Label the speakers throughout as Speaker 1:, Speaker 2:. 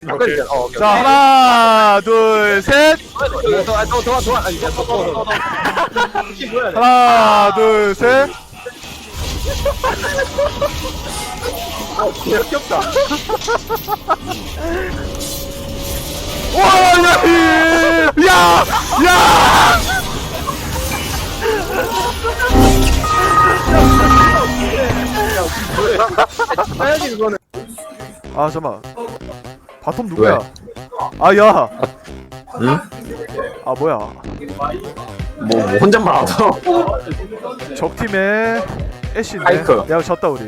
Speaker 1: 오케이.
Speaker 2: 자 하나 둘 셋. 하나 둘 셋.
Speaker 1: 귀엽다.
Speaker 2: 와, 야, 야.
Speaker 1: 사야지 그거는.
Speaker 2: 아 잠만. 바텀 누구야? 아 야.
Speaker 1: 응?
Speaker 2: 아 뭐야?
Speaker 1: 뭐 혼잣말 하서.
Speaker 2: 적 팀의 애쉬네.
Speaker 1: 파이크.
Speaker 2: 야 졌다 우리.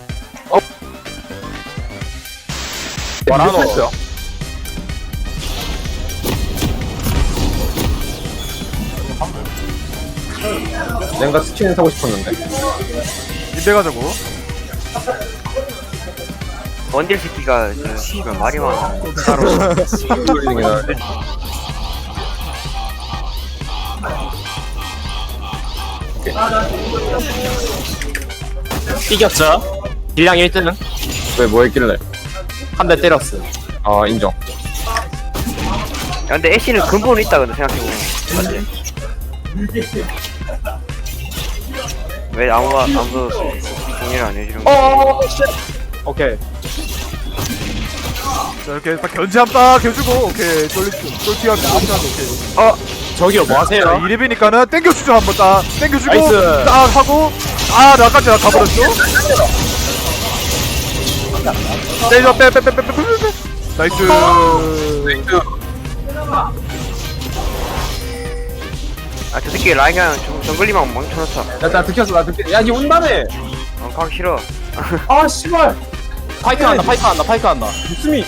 Speaker 1: 말하노. 내가 스킨 사고 싶었는데.
Speaker 2: 인베 가자고.
Speaker 3: 원딜 새끼가 저 씨발 말이 많아.
Speaker 4: 이겼죠? 딜량 1등
Speaker 1: 왜 뭐 했길래?
Speaker 4: 한 대 때렸어.
Speaker 1: 아 인정.
Speaker 3: 야, 근데 애쉬는 근본은 있다 근데 생각해보면 맞지? 왜 아무도 동의를 안 해주는 거야?
Speaker 4: 오케이.
Speaker 2: 자 이렇게 딱 견제 한딱 해주고 오케이 쫄티하면 오케이.
Speaker 4: 저기요 뭐 하세요?
Speaker 2: 자 2렙이니까는 땡겨주죠 한번 딱 땡겨주고
Speaker 4: 나이스.
Speaker 2: 딱 하고 아 나까지 나 가버렸죠? 때려 빼 나이스.
Speaker 3: 아 저 새끼 라인 그냥 정글리만 망쳐놓자.
Speaker 1: 나 들켰어. 나 들켰어. 야니 온다며.
Speaker 3: 가기 싫어.
Speaker 1: 아 씨발.
Speaker 4: 파이크 한다.
Speaker 1: 무슨이?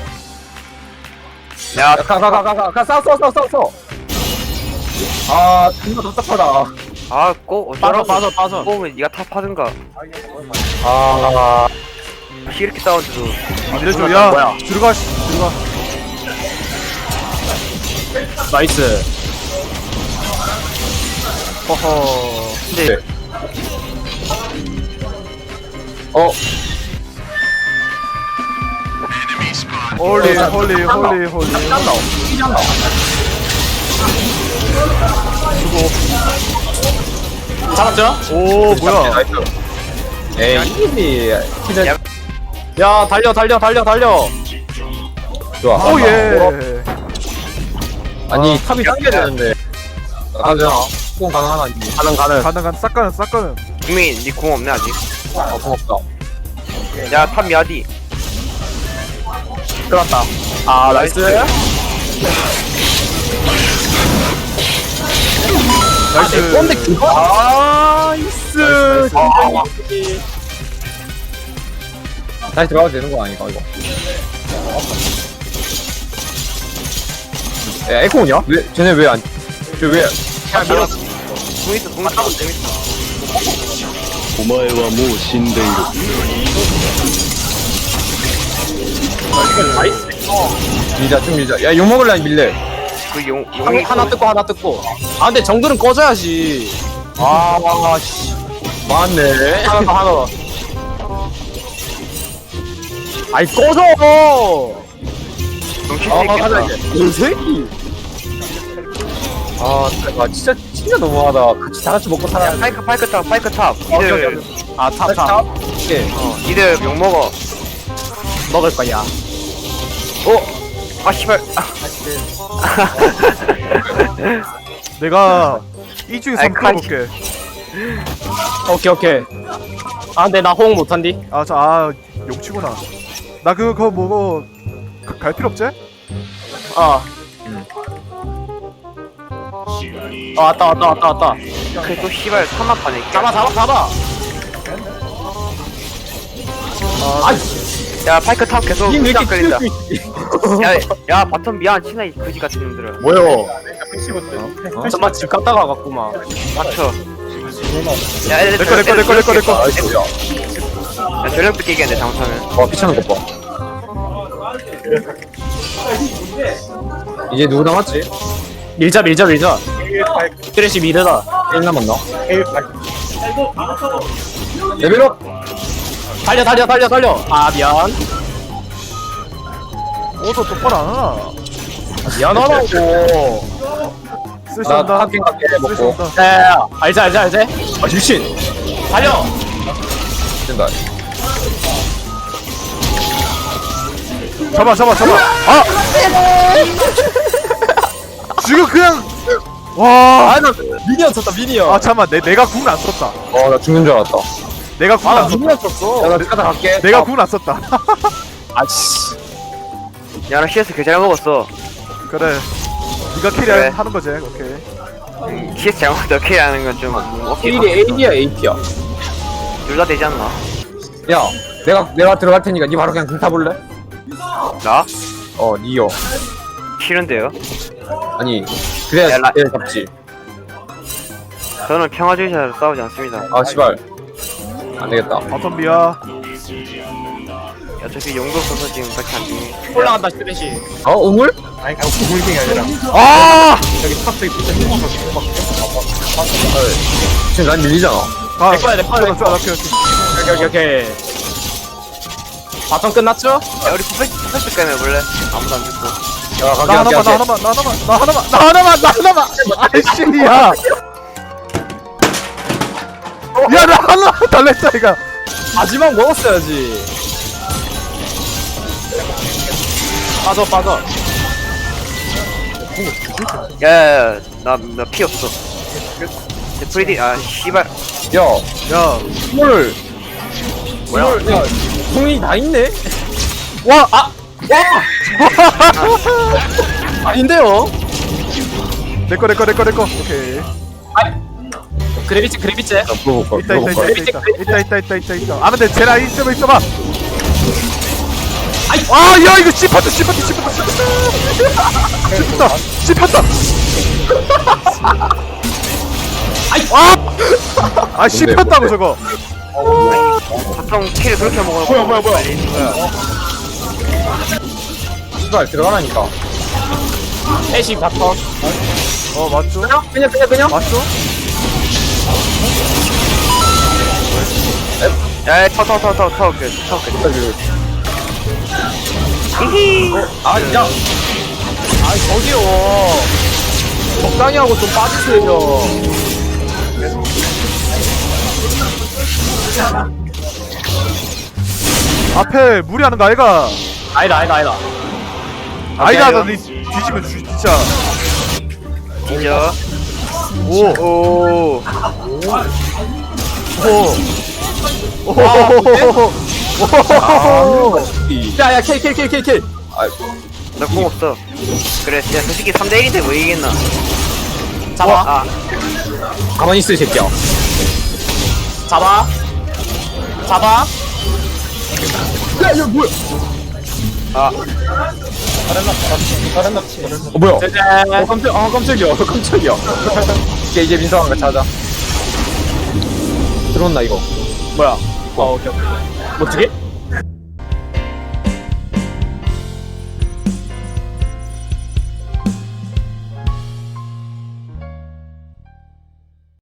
Speaker 3: 야
Speaker 1: 가 싸워. 아 존나 답답하다.
Speaker 3: 아꼭
Speaker 4: 빠져.
Speaker 3: 뽑으면 니가 탑 하든가.
Speaker 1: 아
Speaker 3: 이렇게 싸웠는데도
Speaker 2: 이래줘 야
Speaker 4: 뭐야?
Speaker 2: 들어가.
Speaker 4: 나이스.
Speaker 2: 허허.
Speaker 3: 근데
Speaker 2: 홀리.
Speaker 4: 잡았죠?
Speaker 2: 오 뭐야?
Speaker 1: 나이스. 에이 이기지. 키는
Speaker 3: 야.
Speaker 4: 야 달려.
Speaker 1: 좋아.
Speaker 2: 오 예.
Speaker 1: 아니 탑이 당겨야 되는데. 가자. 공 가능하나?
Speaker 4: 가능.
Speaker 2: 싹가는.
Speaker 3: 국민 니공 없네 아직.
Speaker 1: 고맙다.
Speaker 3: 야탑 미아디.
Speaker 4: 끌었다. 아 나이스.
Speaker 2: 나이스.
Speaker 4: 꼰대 그거. 나이스.
Speaker 1: 다시 들어가도 되는 거 아닌가 이거? 야 에코냐? 왜 쟤네 왜 안? 쟤 왜?
Speaker 3: 공 있어 재밌어.
Speaker 5: お前はもう死んでいる。
Speaker 1: 밀자. 야 욕먹을 라인 밀래.
Speaker 3: 그 용이
Speaker 4: 하나 뜯고. 아 근데 정글은 꺼져야지.
Speaker 1: 씨. 맞네.
Speaker 4: 하나 더. 아이 꺼져.
Speaker 3: 정신
Speaker 1: 가자
Speaker 3: 새끼다.
Speaker 1: 이제. 이 새끼. 진짜 너무하다. 다 같이 먹고 살아야 돼.
Speaker 3: 파이크 탑. 니들
Speaker 4: 탑.
Speaker 1: 오케이.
Speaker 3: 니들 욕 먹어.
Speaker 4: 먹을 거야.
Speaker 3: 아 씨발.
Speaker 2: 내가 이 중에서
Speaker 3: 아이,
Speaker 2: 한번 풀어볼게.
Speaker 4: 오케이. 아 근데 나 호응 못한디.
Speaker 2: 용치구나. 나 그거 뭐고 갈 필요 없지?
Speaker 4: 왔다.
Speaker 3: 그래 또 씨발 3만 판에.
Speaker 4: 잡아.
Speaker 3: 야 파이크 탑 계속
Speaker 1: 왜
Speaker 3: 시작
Speaker 1: 이렇게
Speaker 3: 걸린다.
Speaker 1: 튀어
Speaker 3: 야 바텀 미안 친나 이 거지 같은 놈들은.
Speaker 1: 뭐요?
Speaker 4: 정말 집 갔다가 갔구만.
Speaker 3: 맞춰. 야
Speaker 2: 내꺼.
Speaker 3: 야 전력도 깨겠네 장사는.
Speaker 1: 와 피차는 것 봐. 이제 누구 남았지?
Speaker 4: 밀자. 트래시 미드다.
Speaker 1: 1 남았나? 레벨업!
Speaker 4: 달려. 아 미안.
Speaker 2: 오더 똑바로 안 하나?
Speaker 4: 미안하다고.
Speaker 1: 나
Speaker 2: 쓰신다.
Speaker 1: 하긴 갈게 먹고
Speaker 2: 쓰신다.
Speaker 4: 야, 알지. 아, 유신. 달려.
Speaker 1: 된다.
Speaker 2: 잡아. 아! 지금 그냥 와.
Speaker 4: 아, 나 미니언 쳤다, 미니언.
Speaker 2: 아 잠만 내가 궁 안 썼다.
Speaker 1: 나 죽는 줄 알았다.
Speaker 2: 내가 궁
Speaker 4: 아,
Speaker 2: 안 썼다.
Speaker 4: 미니언 쳤어.
Speaker 1: 야나 가다 갈게.
Speaker 2: 내가 궁 안 썼다.
Speaker 4: 아씨.
Speaker 3: 야나 CS 개 잘 먹었어.
Speaker 2: 그래. 네가 캐리
Speaker 3: 그래.
Speaker 2: 하는 거지. 오케이.
Speaker 3: CS 잘 먹었다. 어떻게 하는 건좀 어깨.
Speaker 1: 1이 AD야 AP야.
Speaker 3: 둘다 되지 않나?
Speaker 1: 야 내가 들어갈 테니까 니 바로 그냥 등 타볼래?
Speaker 3: 나?
Speaker 1: 니요.
Speaker 3: 싫은데요?
Speaker 1: 아니 그래야
Speaker 3: 야, 라-
Speaker 1: 얘 잡지.
Speaker 3: 저는 평화주의자로 싸우지 않습니다.
Speaker 1: 아 씨발 안 되겠다.
Speaker 2: 바텀 비야.
Speaker 3: 어차피 용도 없어서 지금 딱히 안 중에.
Speaker 4: 올라간다, 쓰레쉬.
Speaker 1: 우물?
Speaker 2: 아!
Speaker 1: 지금 난 밀리잖아.
Speaker 2: 아,
Speaker 4: 내 거야. 오케이. 바텀 끝났죠?
Speaker 3: 야 우리 퍼펙트 게임 해볼래? 아무도 안 죽고.
Speaker 1: 야 갈게
Speaker 2: 나
Speaker 1: 갈게
Speaker 2: 하나만. 아이씨, 야. 야, 나 하나 달랬다, 이거.
Speaker 4: 마지막 먹었어야지. 빠져.
Speaker 3: 야야야 나 피 없어. 내 프리디 아 씨발.
Speaker 1: 야
Speaker 2: 야,
Speaker 1: 우물. 우물. 야 공이 다 있네.
Speaker 2: 와,
Speaker 4: 아닌데요?
Speaker 2: 내꺼. 오케이.
Speaker 4: 그래비치.
Speaker 1: 야 물어볼 걸.
Speaker 2: 있다. 아, 근데 쟤라 있어봐. 아, 야, 이거 씹혔다. 아, 씹혔다고 저거.
Speaker 3: 보통 킬을 그렇게 먹어. 뭐야.
Speaker 1: 씨발 들어가라니까.
Speaker 4: 애쉬 바텀.
Speaker 2: 맞죠?
Speaker 1: 그냥.
Speaker 2: 맞죠?
Speaker 3: 야 타워 히히.
Speaker 1: 야.
Speaker 4: 저기요. 적당히 하고 좀 빠지세요.
Speaker 2: 앞에 무리하는 거 아이가?
Speaker 4: 아니다.
Speaker 2: 아이가 너 뒤지면 진짜.
Speaker 3: 뒤져.
Speaker 2: 오.
Speaker 4: 야야 킬.
Speaker 3: 나 공 없어. 그래 야 솔직히 3대1인데 뭐 이기겠나.
Speaker 4: 잡아.
Speaker 3: 아
Speaker 1: 가만히 있어 이 새끼야.
Speaker 4: 잡아.
Speaker 1: 야 이거 뭐야?
Speaker 3: 아.
Speaker 1: 뭐야?
Speaker 4: 짜잔.
Speaker 1: 깜짝이야. 이제 민성한가 찾아. 들어온다 이거.
Speaker 4: 뭐야? 오케이. 멋지게?